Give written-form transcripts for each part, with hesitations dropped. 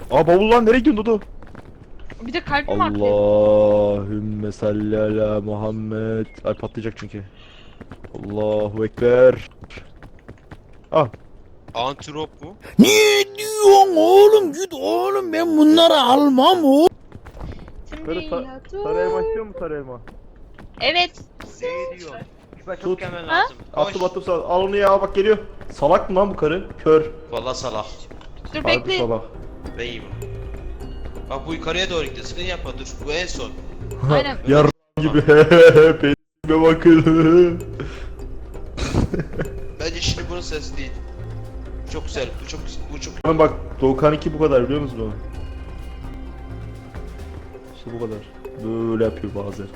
Aa bavul lan, nereye gidiyorsun Dodo? Bir de kalbim artıyor. Allahümme salli ala Muhammed. Ay patlayacak çünkü. Allahu Ekber. Ah. Antrop mu? Ne diyorsun oğlum? Git oğlum, ben bunları almam o. Sarı elma istiyor mu sarı elma? Evet. Ne diyor? Küpe Tut. çok hemen Ha? lazım. Attım attım sağ. Al onu ya, bak geliyor. Salak mı lan bu karı? Kör. Valla salak. Dur Harbi bekle. salak. Ben iyiyim. Bak bu yukarıya doğru gidiyor. Sıkın yapma dur. Bu en son. Aynen. Yar gibi. Peynime bakın. Bence şimdi bunun sesi değil. Çok güzel. Bu çok. Oğlum bak, Doğukan'ınki bu kadar, biliyor musunuz bunu? İşte bu kadar. Böyle yapıyor bazen.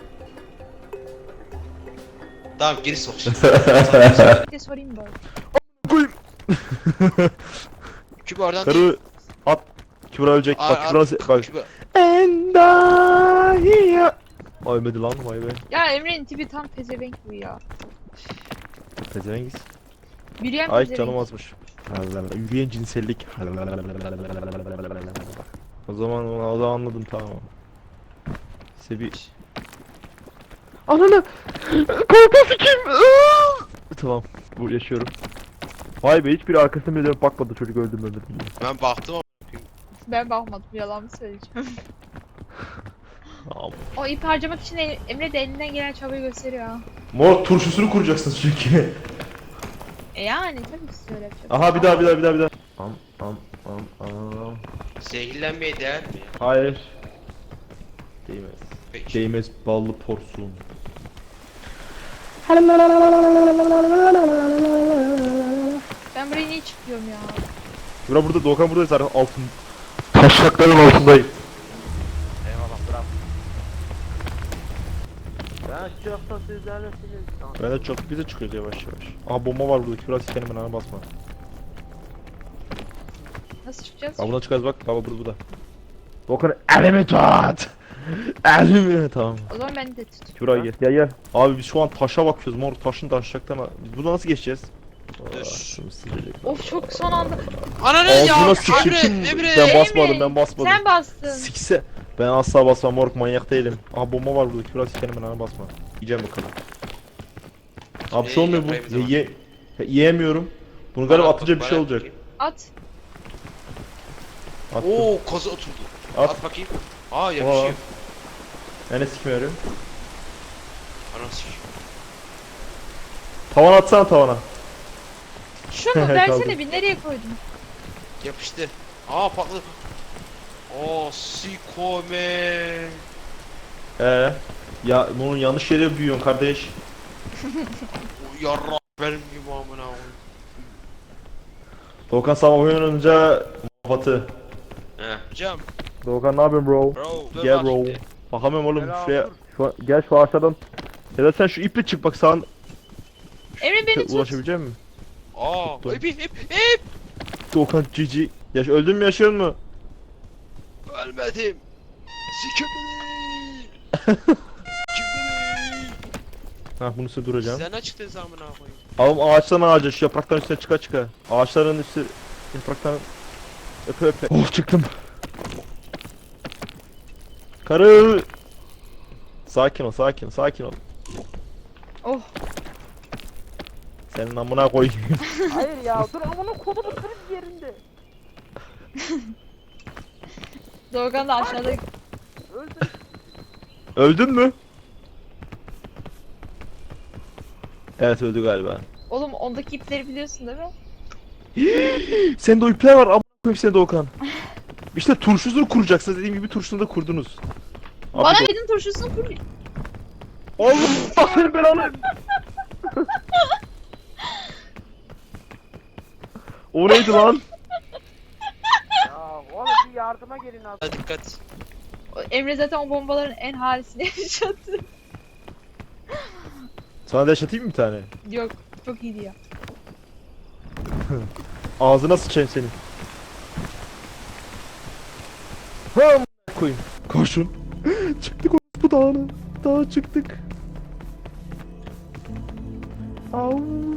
Tamam geri sok şimdi. Bir de sorayım bari. Koyayım. Küpe oradan Karı at. Kübra ölecek. Bak Kübra bak. Küpe. Endahiya. Ölmedi lan, vay be. Ya Emre'nin tipi tam pezevenk bu ya. Pezevengiz. Yürüyen Ay pezevenk. canım azmış. Yürüyen cinsellik. O zaman anladım, tamam. Sebi. Ananı. Korkası kim? Tamam. Bu yaşıyorum. Vay be, hiçbir arkasına bile dönüp bakmadı çocuk, öldüm diye. Ben baktım ama. Ben bakmadım, yalan mı söyleyeceğim. Tamam. O ip harcamak için Emre de elinden gelen çabayı gösteriyor ha. Mor turşusunu kuracaksınız çünkü. Yani tabii ki söyle yapacak. Aha bir daha. Am. Zehirlenmeye değer mi ya? Hayır. Değmez. Peki. Değmez ballı porsun. Ben buraya niye çıkıyorum ya? Bura burada, Doğukan burada zaten altın. Taşakların altındayım. Eyvallah bırak. Ben çokta sizlerlesiniz. Ben de çok, bize çıkıyoruz yavaş yavaş. Aha bomba var burada, Kübra sikerim, ben ana basma. Nasıl çıkacağız? Aa buna çıkarız bak, baba burada. Doğukan elimi tut. Elimi, tamam. O zaman beni de tut. Kübra gel. Abi biz şu an taşa bakıyoruz, mor taşın taşacaktan. Biz burada nasıl geçeceğiz? Dur. Şunu silecek. Of çok son anda. Ananı ya! Ağzına sıçayım, Emre! ben basmadım, Emre, ben basmadım. Sen bastın. Sikse. Ben asla basmam moruk, manyak değilim. Aha bomba var burada, Kübra sikerim, ben ana basma. Yiyeceğim bakalım. Abi bir şey olmuyor yapayım o bu. zaman? Yiyemiyorum. Bunu galiba Bana atınca bak, bir şey bana olacak. bakayım. At. Attım. Oo koza oturdu. At. At bakayım. Aa yapışıyor. Ben de sikmiyorum. Anası. Tavan atsana tavana. Şunu Kaldı. versene bir, nereye koydun? Yapıştı. Aa patladı. Oo sikome. Ya bunun yanlış yere büyüyorsun kardeş. Yarra benim gibi amına koyayım. Doğukan sabah oynanınca batı. He. Cam. Doğukan ne yapıyorsun bro? Bro. Dur Gel bak bro. şimdi. Bakamıyorum oğlum Selam, şuraya. dur. Gel şu ağaçlardan. Ya da sen şu iple çık bak, sağın Emre beni tut. ulaşabilecek misin? Aa. Tuttum. İp. Doğukan cici. Öldün mü, yaşıyor mu? Ölmedim. Sikimini. Ha bunu size duracağım. Sen açıktın amına koyayım. Oğlum ağaçtan ağaca, şu yapraktan üstüne çıka. Ağaçların üstü yapraktan öpe. Oh çıktım. Karı. Sakin ol. Oh. Senin amına koyayım. Hayır ya dur amına kodumu kırık yerinde. Doğukan da aşağıda. Öldüm. Öldün mü? Evet öldü galiba. Oğlum ondaki ipleri biliyorsun değil mi? Sende o ipler var, amına koyayım seni Doğukan. İşte turşusunu kuracaksınız, dediğim gibi turşusunu da kurdunuz. Abi Bana dedin turşusunu kur. Allah senin belanı. O neydi lan? Ya oğlum bir yardıma gelin abi. Hadi dikkat. Emre zaten o bombaların en halisini yaşadı. Sana da yaşatayım mı bir tane? Yok, çok iyiydi ya. Ağzına sıçayım senin. Ha amına koyayım. Koşun. Çıktık bu dağına. Dağa çıktık. Allah.